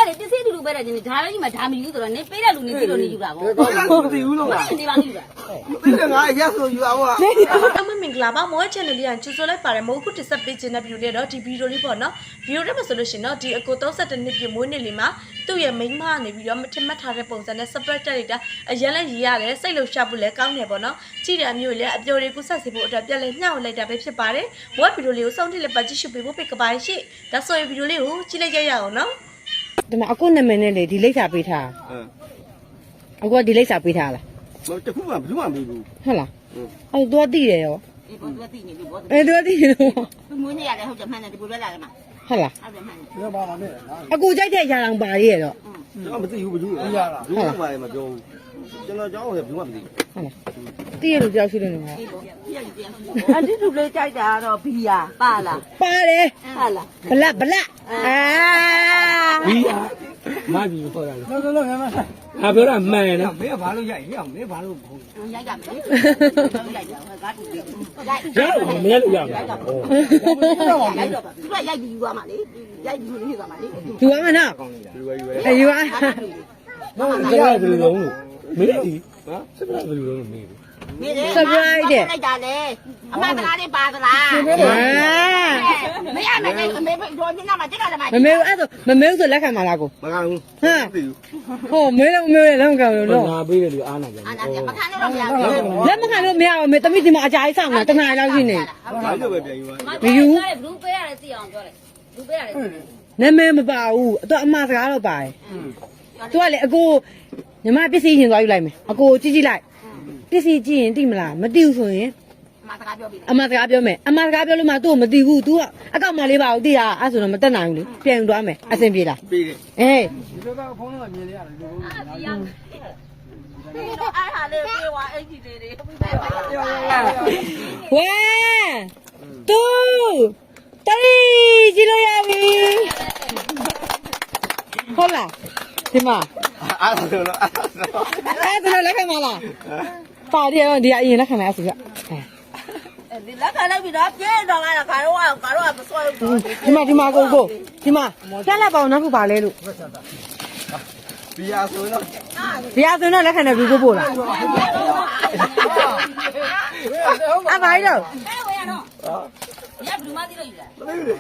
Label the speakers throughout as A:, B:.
A: လေတစ်စိတူတူပဲတဲ့ဒီဒါပဲကြီးမှာဒါမယူဆိုတော့နေပေးတဲ့လူနေပြီးတော့နေယူတာပေါ့မသိဘူးလို့လားနေပါယူတာ
B: မသိတယ်ငါရက်ဆိုယူအောင်
C: အမမင်္ဂလာပါမော channel လေးကကျူဆိုလိုက်ပါတယ်မဟုတ်ခုတစ်ဆက်ပေးခြင်းတဲ့ view လေးတော့ဒီ video လေးပေါ့နော် video ထဲမှာဆိုလို့ရှိရင်တော့ဒီအကို32နှစ်ပြည့်မွေးနေ့လေးမှာသူ့ရဲ့မိန်းမကနေပြီးတော့မထင်မှတ်ထားတဲ့ပုံစံနဲ့ surprise တက်လိုက်တာအရင်လည်းရေးရတယ်စိတ်လှုပ်ရှားဖို့လည်းကောင်းတယ်ပေါ့နော်ကြည့်တဲ့အမျိုးလေးအပျော်တွေကိုဆက်စီဖို့အတွက်ပြန်လဲညှောက်လိုက်တာပဲဖြစ်ပါတယ်မော video လေးကိုစောင့်ကြည့်လက်ပတ်ကြည့်ရှုပေးဖို့ဖိတ်ကပါရှိဒါဆိုရင် video လေးကိုကြည့်လိုက်ရအောင်နော်
D: ဒီမှာအခုနာမည်နဲ့လေဒီလိပ်စာပေးထားအခုကဒီလိပ်စာပေးထားလား
B: မတခုမှဘူးမှမပြီးဘူး
D: ဟုတ်လားအဲ့တော့သိတယ်ရော
A: ဒီပေါ်သူသိနေပြီပေါ်
D: အဲ့တော့သိတယ်ရော
A: သူမွေးနေရတယ်ဟုတ်တယ်မှန်တယ်ဒီပေါ်ပဲလာတယ်မှာ
D: ဟုတ်လား
A: ဟုတ်တယ်မှန်တယ်
B: ဘယ်ပါမလဲ
D: အခုကြိုက်တဲ့ຢာလောင်ပါရဲ့တော့
B: ကျွန်တော်မသိဘူးဘူးရလားဘူးမှလည်းမပြောဘူးကျွန်တော်ကြောင်းတယ်ဘူးမှမသိဘူး
D: ဟုတ်လားသိရလို့ကြောက်ရှိလို့နေမှာ
A: အန်တီသူလေးကြိုက်တာကတော့ဘီယာပါလား
D: ပါတယ်
A: ဟုတ်လား
D: ဘလက်
E: ဘီယာမပြီးခေါ်တာလေ
B: လောငါမ
E: ငါပြောတာမှန်တယ်နော်
B: မင်းကဘာလို့ရိုက်ရမင်းဘာလို့
A: ရိုက်ကြမယ်ရိုက်ကြကားတူလေး
E: ရမင်းလည်းရမှာ
A: ရိုက်တော့သူကရိုက်ပြီးယူသွားမှာလေရိုက်ပြီးယူသွားမှာလေ
D: ယူရမယ်နော်ယူရ
E: နော်စကားဘယ်လိုလုပ်လို့မင်းဒီဟာစကားဘယ်လိုလုပ်လို့မင်း
A: မင်းလိုက်တာလေအမစကားလေးပါသလားမရမယ်အမေတို့ညမှာတက်ကြတယ်မှာ
D: မမေအဲ့ဆိုမမေဆိုလက်ခံပါလားကို
B: မခံဘူး
D: ဟမ်ဟောမေလည်းမေလက်မခံဘူးနော်
E: ငါပေးတယ်လူအားနာကြတယ်
A: အားနာကြမခံလို့တော့မရဘူး
D: လက်မခံလို့မရဘူးမေတမိဒီမှာအကြာကြီးဆောင်တာတနားလောက်ရှိနေ
B: ဘာလို့ပဲပြန်ယူပါ
D: မယူ
A: ဘူးပေးရတယ်သိအောင်ပြောတယ်ဘူးပေးရတယ်
D: နာမည်မပါဘူးအမစကားတော့ပါတယ်သူကလေအကိုညီမပစ္စည်းရင်သွားယူလိုက်မယ်အကိုကြည့်လိုက်ပစ္စည်းကြည့်ရင်သိမလားမသိဘူးဆိုရင်
A: အမစကားပြောပြီ
D: အမစကားပြောမယ်အမစကားပြောလို့မှသူ့ကိုမသိဘူး तू ကအကောက်မလေးပါဘူးသိတာအဲ့ဆိုတော့မတက်နိုင်ဘူးလေပြန်ယူသွားမယ်အဆင်ပြေလား
B: ပြေးတယ်
D: အေး
B: ဒီလိုကဖုန်းတော့မြင်လေရတယ်လို့
A: ဒီတော့အားဟာလေးပြေးသွားအဲ့ဒီလေးတွေ
D: ဝဲတူတရီကြည့်လို့ရပြီဟုတ်လားဒီမှာ
B: အဲ့ဒါတော့
D: လက်ခံမလားပါတယ်ဒီအရင်လက်ခံလိုက်ဆိုကြ
A: ဒီလက်ခံလိုက်ပြီးတော့ပြေးတော့လာတာခါတော့မစွဲဘူး
D: ဒီမှာကိုဒီမှာပြလက်ပေါင်းနောက်ခုပါလဲလို့
B: ဘီယာဆိုတော့
D: လက်ခံတယ်ဘူးပို့လားအမိုင်းတော့
A: ဝေးရတော့ရဘူးမသိလို့ယူတာ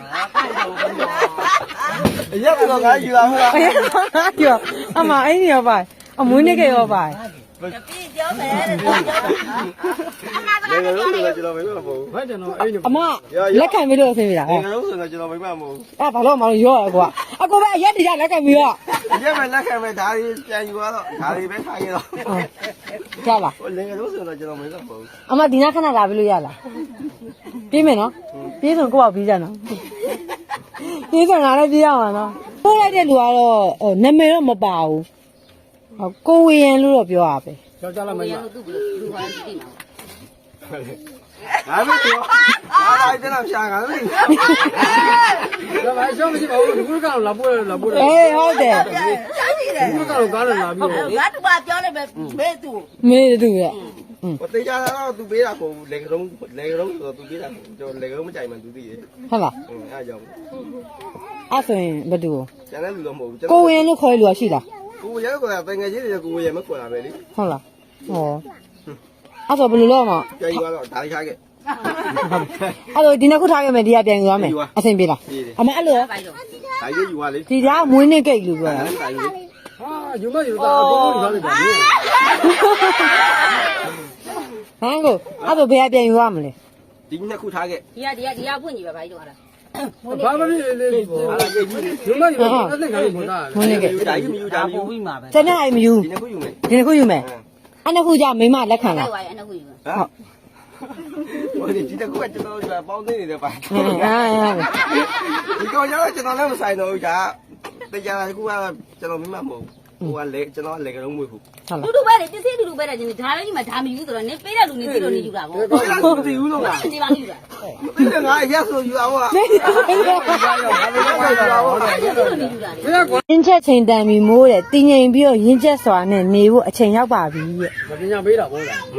B: ရက်တော့ငါယူလာမှာ
D: ပြောအမအဲ့ဒီရောပါအမွေးနေကြရောပါ
A: ပြေးကြောင်းမယ်တဲ့
B: ငါတို့ဆိုတော့ကျွန်တော်မိမမဟုတ်ဘူးကျွန်တော်အဲ့ဒီ
D: အမလက်ခံပြီးလို့အဆင်ပြေလား
B: ငါတို့ဆိုတော့ကျွန်တော်မိမမဟုတ်ဘူး
D: ဘာလို့မလို့ရောကွာအကိုပဲအရက်တရလက်ခံပြီးတော့
B: ရက်ပဲလက်ခံပဲဒါတွေပြန်ယူသွားတော့ဒါတွေပဲထားရတော့
D: ကြားလား
B: ဟိုငါတို့ဆိုတော့ကျွန်တော်မိမမဟုတ်ဘူး
D: အမဒီနာခဏလာပြီးလို့ရလားပြေးမယ်နော်ပြေးဆိုကိုယ့်ဘာပြီးကြနော်ပြေးဆိုငါလည်းပြေးရမှာနော်ပို့လိုက်တဲ့လူကတော့နာမည်တော့မပါဘူးကိုဝေရန်လို့တော့ပြောရပဲ
B: ကြောက်ကြလားမင်း
A: သူ့လူဟာသိမှာ
B: ငါမပြောအားလိုက်တဲ့ရှာငါမင်းဒါမှရှောင်းမရှိပါဘူးဒီကုကတော့လာပို့
D: အေးဟုတ်တယ်
B: ဒီကုကတော့ကားလာပြီးတော့
A: ငါတူပါပြောလိုက်ပဲမေးသူ
D: ရဲ့
B: ဟိုတေးကြတော့သူပေးတာကိုလေကရုံးဆိုတော့သူပေးတာကျွန်တော်လေကရုံးမကြိုက်မှသူသိတယ်
D: ဟုတ်လား
B: အဲ့ကြောင့်
D: အဲ့ဆိုရင်ဘယ်သူ
B: ကျန်တဲ့လူတော့မဟုတ်ဘူး
D: ကိုဝင်လို့ခေါ်လို့ရှိလား
B: ကိုရဲကတငယ်ချင်းတွေကိုရဲမခေါ်တာပဲလေ
D: ဟုတ်လားဟောအဲ့ဆိုဘယ်လိုလုပ်မှာ
B: ပြန်ယူတော့ဒါထားခဲ့
D: အဲ့လိုဒီနှစ်ခုထားခဲ့မယ်ဒီကပြန်ယူရမယ်အဆင်ပြေလားအမအဲ့လို
B: ဒါရေးယူပါလေ
D: ဒီကမွေးနေ့ကိတ်လို့ပြောတာ
B: ဟာယူမယူတာအကုန်လုံးယူထားလိုက်ပါလေ
D: ဟမ်ကိုအဲ့လိုဘယ်ကပြန်ယူရမလဲ
B: ဒီနှစ်ခုထားခဲ့
A: ဒီကဖွင့်ကြည့်ပါဘာကြီးတော့ဟာ
B: ဘာမလေးလေးဟာရေးယူယူမယူတော့အဲ့ဒါကမတာ
D: မွေးနေ့ကိတ်
B: ဒါကြီးမယူတာမယူ
A: ပြီးမှာပဲ
D: ကျန်တဲ့အိမ်မယူ
B: ဒီနှစ်ခုယူမယ်
D: အဲ့နှစ်ခုကြမိမလက်ခံလား
A: ဟုတ်အဲ့နှစ်ခုယူ
B: ဟုတ်ဟိုဒီတကူကကျွန်တော်ပေါင်းသိနေတယ်ပါဒီကောင်ကျတော့ကျွန်တော်လည်းမဆိုင်တော့ဘူးကြာတရားတကူကကျွန်တော်မိမမဟုတ်ဟိုကလေကျွန်တော်လေကလုံးမွေးဘူး
A: တူတူပဲလေတစ်စိတူတူပဲတဲ့ဒီဒါပဲကြီးမှာဒါမယူဆိုတော့နေပေးတဲ့လူနေပြီးတော့နေယူတာပေါ့
B: မသိဘူးလို့လား
A: နေပါယူတာ
B: မသိတယ်ငါရက်ဆိုယူအောင်ဟာ
D: ရင်းချက်ချိန်တန်ပြီးမိုးတယ်တင်းငိမ်ပြီးတော့ရင်းချက်စွာနဲ့နေဖို့အချိန်ရောက်ပါပြီရဲ့
B: မပညာပေးတာပေါ့လား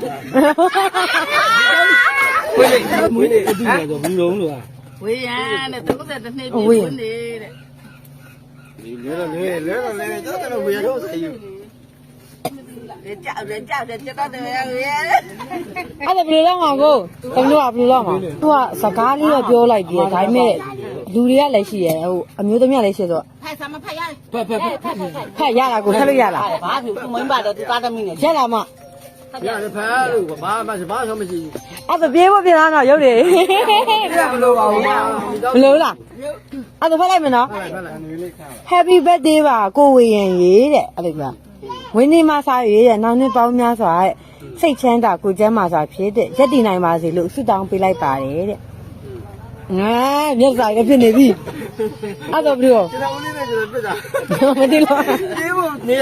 B: မွေးနေ
E: အတူတူဆိုဘူးလုံးလို့
A: ဝေးရတဲ့32နှစ်ပြည့်နေတဲ့
B: လဲကျွန်တော်ဝေတော့ဆိုင်ယူ
A: ကြောက်တယ်ကျွန်တော်တယ်ရဲ့
D: အဲ့ဒါဘယ်လိုလုပ်မှာကိုတမျိုးကဘယ်လိုလုပ်မှာသူကစကားလေးတော့ပြောလိုက်ပြီးဒါပေမဲ့လူတွေကလည်းရှိရဲဟိုအမျိုးသမီးကလည်းရှိဆို
A: ဖက်စားမဖက်ရတယ်
D: ဖက်ရတာကိုဖက်လို့ရလား
A: ဘာဖြစ်မင်းပါတော့သူသားသမီးနဲ့
D: ရလာမ
E: ရတယ်ဖားလို့ဘာမှမရှိဘူး
D: အဲ့ဒါပြေးဖို့ပြလားတော့ရုပ်တွေ
E: ဘလို့ပါဘူး
D: ဘယ်လိုလားအဲ့ဒါဖက်လိုက်မယ်နော် Happy birthday ပါကိုဝေရင်ရေးတဲ့အဲ့လိုပြောဝင်းနေမစားရေးတဲ့နောက်နှစ်ပေါင်းများစွာတဲ့စိတ်ချမ်းသာကိုကျမ်းမာစွာဖြစ်တဲ့ရက်တည်နိုင်ပါစေလို့ဆုတောင်းပေးလိုက်ပါတယ်တဲ့ငါမျက်စာရဖြစ်နေပြီအဲ့တော့ဘယ်လို
B: ကျွန်တော်ဦးလေးနဲ့ကျွန်တော်ပြစ်တာ
D: မသိလို့
B: ပြေးဖို့နေရ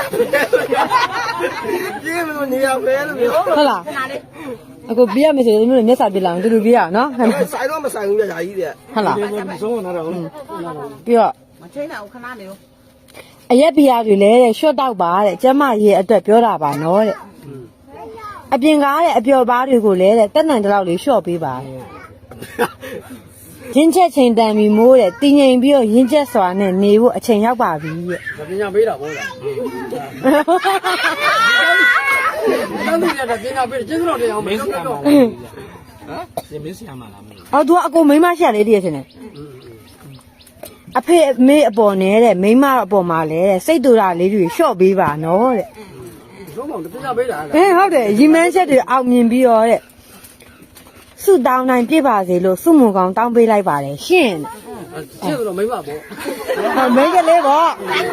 B: ပြေးဖို့နေရပဲလို့ပြော
D: ဟုတ်လားအခုပြရမယ်ဆိုရင်မျိုးမျက်စာပြလာအောင်တူတူပြရအောင်နော်
B: ဆိုင်တော့မဆိုင်ဘူးကြာကြီးတဲ့
D: ဟုတ်လား
E: ဆုံးတော့တော့
D: ပြီးတော့
A: မချိန်တော့ခဏနေရော
D: အရက်ပြားတွေလည်းတဲ့ရှော့တောက်ပါတဲ့ကျမရေအတွက်ပြောတာပါနော်တဲ့အပြင်ကားတဲ့အပျော်ပါးတွေကိုလည်းတဲ့တက်နိုင်တဲ့လောက်လေးရှော့ပေးပါရင်းချက်ချိန်တန်ပြီးမိုးတဲ့တင်းငိမ်ပြီးတော့ရင်းချက်စွာနဲ့နေဖို့အချိန်ရောက်ပါပြီတဲ့
E: ပညာပေးတာပေါ့လားတန်းသူရတဲ့ပညာပေးကျင်းတော့တရားမင်းစရာမလားဟမ်မင်းစရာမလား
D: အော်သူကအကိုမိန်းမရှိရလေတည်းရရှင်နဲ့အဖေအမေအပေါ်နဲ့တဲ့မိန်းမအပေါ်မှာလည်းတဲ့စိတ်တူတာလေးတွေရှော့ပေးပါနော်တဲ့
E: လုံးဝပညာပေးတာ
D: ဟုတ်တယ်ရီမန်းချက်တွေအောင်မြင်ပြီးတော့တဲ့ဆုတောင်းနိုင်ပြပါစေလို့ဆုမွန်ကောင်တောင်းပေးလိုက်ပါတယ်ရှင့်
E: ရှင်းတော့မိမပေါ့
D: ဟောမိန်းကလေးပေါ့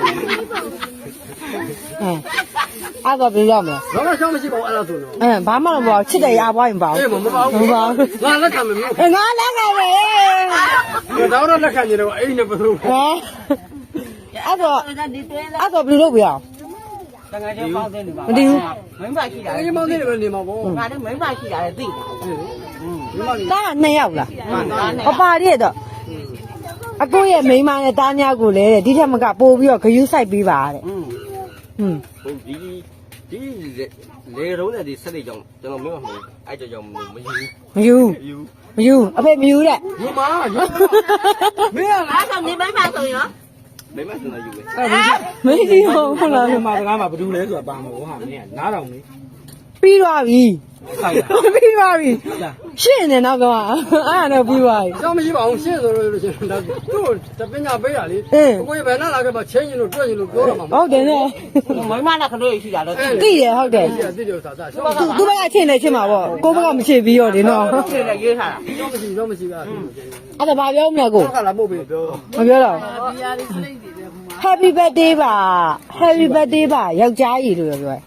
D: အဲ့တော့ပြောရမယ်
E: တော့ရှောင်းမရှိပါဘူးအဲ့ဒါဆိုတော့
D: ဘာမှမပေါ့ချစ်တယ်ရပွားရင်ပေါ့
E: အေးမပါဘူးငါလက်ခံမယ်မျိုး
D: ငါလည်းငါပဲ
E: တော့လက်ခံနေတော့အိမ်နဲ့ဘယ်လို
D: ဟဲအဲ့တော့
A: ဒီတွဲလာ
D: အဲ့တော့ဘယ်လိုလုပ်ပြအောင်
A: တကယ်ကြောက်ပေါင်းနေပါ
D: မတည်ဘူး
A: မင်းပါရှိတာ
E: အိမ်မောင်းနေတယ်နေမှာပေါ့
A: ငါလည်းမင်းပါရှိတာလည်းသိတာ
D: တား2ယောက်လားအပါရတဲ့တော့အကိုရဲ့မိန်းမနဲ့တားများကိုလည်းဒီထက်မကပို့ပြီးတော့ဂယုစိုက်ပေးပါတဲ့ဟွန်း
B: ဟုတ်ဒီလေရုံးနဲ့ဒီဆက်နေကြောင်ကျွန်တော်မင်းမဟုတ်အဲ့ကြောင်မယူ
D: မယူအဖေမယူတဲ့
E: ယူမယူမင်း
A: အဲ့တော့နေမင်းပါဆိုရင်
B: မင်းမစနေယူပဲ
D: မင်းကြီးဟုတ်လား
E: ဒီမှာစကားမှာဘယ်သူလဲဆိုတာပါမလို့ဟာမင်းကနားတော်နေ
D: ပြီးသွားပြီ
E: ဆိုင်တာ
D: ပြီးသွားပြီရှင်းနေတော့ကအဲ့ဒါတော့ပြီးသွားပြီ
E: ရှောင်းမရှိပါဘူးရှင်းဆိုလို့ရှိရင်ဒါသူ့တပညာပေးတာလေကိုယ်ဘယ်နဲ့လာခဲ့မှချင်းရင်လို့တွေ့ရင်လို့ပြောတာမှာ
D: ဟုတ်တယ်နော်
A: မင်းမနဲ့ခလို့ရှိတာတော့
D: သိတယ်ဟုတ်တယ်
E: သိတယ်သာသာရှောင်း
D: သူဘက်ကချင်းနေချင်းမှာပေါ့ကိုဘက်ကမချင်းပြီးတော့ဒီနော်
A: ဒီလည်းရေးထားတာ
E: မရှိတော့မရှိပါဘူး
D: အဲ့ဒါဘာပြောမလဲကို
E: ခါလာပို့ပြီးပြော
D: မပြောတော့ Happy birthday ပါ Happy birthday ပါယောက်ျားကြီးလို့ပြောတယ်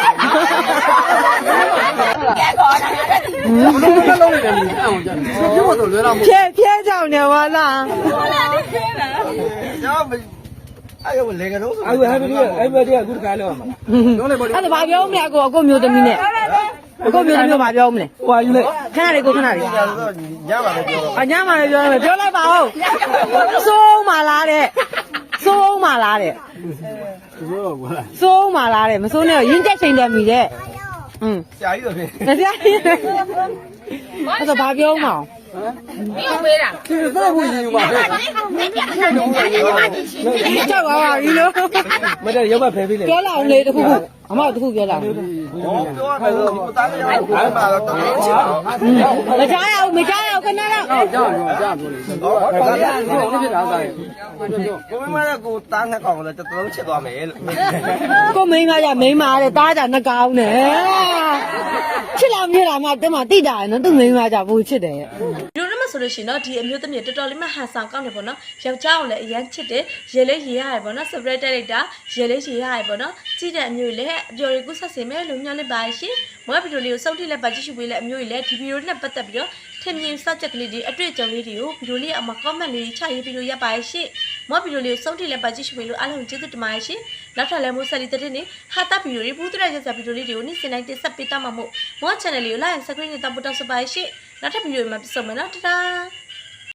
A: ကဲကောတာ
E: ဘယ်လုံးနေတယ်မင်းအောင်ကြတယ်ပြုတ်တော့လွယ်လာမို့
D: ဖြဲကြောင်နေပါလား
B: ကျွန်တော်အဲ့ရောလေကတော့ဆို
E: အဲ့ဘယ်တည်းအခုတခါလောက်မှာလုံးလိုက်ပါ
D: အဲ့ဒါဘာပြောမလဲကိုမျိုးသမီးနဲ့ကိုမျိုးသမီးဘာပြောမလဲဟွာယူလိုက်ခဏလေးကိုခဏလေး
B: ညပါလေပြောတော့
D: အညာမလေးပြောမယ်ပြောလိုက်ပါဦးစိုးမလားတဲ့စိုးမလားတဲ့
E: ပြောတော့ကွာ
D: စိုးမလားတဲ့မစိုးနဲ့ရင်းချက်ချိန်တယ်မိတဲ့อืม
B: ဆရာကြီးတော့ဖြစ်
D: ဆရာကြီးအဲ့ဒါဘာပြောမလဲ
A: ပြီးပေးတာ
E: ဒီတော့ဘူးယူပါပဲ
D: ကြောက်ပါပါပြီလို့
E: မတဲ့ရောက်ပါဖယ်ပေးလေ
D: ပြောလာအောင်လေတခုခုအမတခုပြောလာအောင်
B: ဟောပြောရမယ်ဆိုဒီသားလေးရောဘာမှတော့တော်တော်ချစ်တော့
D: မကြားရအောင်ခဏတော့
E: ကြောက်ကြောက်ပြောလေဟောဒါကဖြစ်တာဆိုင်
B: ကိုမမကကိုသားနှစ်ကောင်လည်းတော်တော်ချစ်သွားမယ်လို့
D: ကိုမိန်းမရမိန်းမတဲ့တားကြနှကောင်းနဲ့ချစ်လာမြလာမှတမတိတာနော်သူမိန်းမကြဘူးချစ်တယ်
C: ဒီလိုမှဆိုလို့ရှိရင်တော့ဒီအမျိုးသမီးတော်တော်လေးမှဟန်ဆောင်ကောင်းတယ်ပေါ့နော်ယောက်ျားကိုလည်းအရန်ချစ်တယ်ရေလေးရေရတယ်ပေါ့နော် separate တက်လိုက်တာရေလေးရေရတယ်ပေါ့နော်ကြည့်တဲ့အမျိုးကြီးလည်းအပျော်ရီကူးဆက်စေမယ်လို့ညွှန်လိုက်ပါရှင်မောဗီဒီယိုလေးကိုစောင့်ထိလက်ပါကြည့်ရှုပေးလိုက်အမျိုးကြီးလည်းဒီဗီဒီယိုနဲ့ပတ်သက်ပြီးတော့ထင်မြင်စကြက်ကလေးတွေအတွေ့အကြုံလေးတွေကိုဗီဒီယိုလေးအမှာ comment လေးချရေးပြီးလို့ရပါရဲ့ရှင်မောဗီဒီယိုလေးကိုစောင့်ထိလက်ပါကြည့်ရှုပေးလို့အားလုံးကျေးဇူးတင်ပါတယ်ရှင်နောက်ထပ်လည်းမိုးဆက်လီတဲ့နေဟာတာဗီဒီယိုတွေဘူးတရရက်ဆက်ဗီဒီယိုလေးတွေကိုနေ့စဉ်တိုင်းတင်ဆက်ပေးတတ်မှာမို့မော channel လေးကို like and subscribe နဲ့တောင်းပန်တောင်းဆိုပါရှင်နောက်ထပ်ဗီဒီယိုမှာပြန်ဆုံမယ်နော်တဒါ